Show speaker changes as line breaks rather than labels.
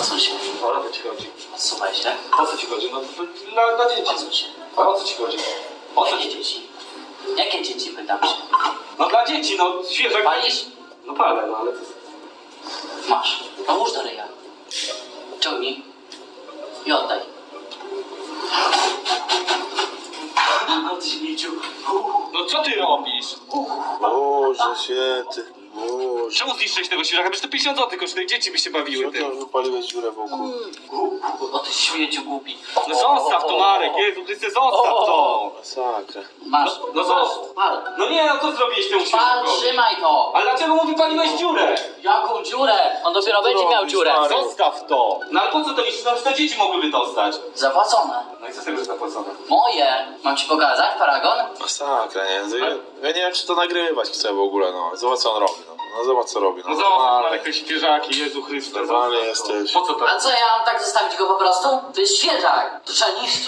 Odsuń się.
O co ci chodzi?
Odsuwaj się.
O co ci chodzi? No dla dzieci.
Odsuń się.
A o co ci chodzi? O co
Jakie
ci...
dzieci? Jakie dzieci, pytam się.
No dla dzieci, no świeżak.
Palisz?
No palę, no ale to...
Masz. Połóż do ryja. Ciągnij. I oddaj. Od śmieciu.
No co ty robisz?
Boże święty, Boże.
Czemu zniszczyłeś tego świeżaka? Przecież to 50 zł kosztuje, dzieci by się bawiły
Co ty
tym.
wypaliłeś dziurę wokół?
Od śmieciu głupi.
No zostaw to, Marek, Jezu, ty se zostaw to.
Masakra.
Masz.
No zostaw.
Pal.
No nie, no co zrobiłeś temu
Pal,
świeżakowi?
trzymaj to.
Ale dlaczego mu wypaliłeś dziurę?
Jaką dziurę? On dopiero będzie miał
robisz,
dziurę.
Marek?
Zostaw to. No ale po co to niszczysz? No to dzieci mogłyby dostać.
Zapłacone.
No i co z tego, że zapłacone?
Moje. Mam ci pokazać, paragon?
Masakra, nie? Ja nie wiem, czy to nagrywać chcę w ogóle, no. Zobacz, co on robi, no. No zobacz, co robi, no.
No zostaw,
Normalnie.
Marek, te świeżaki, Jezu Chryste.
Normalnie
zostaw to.
jesteś.
Po co to?
A co, ja mam tak zostawić go po prostu? To jest świeżak. To trzeba niszczyć.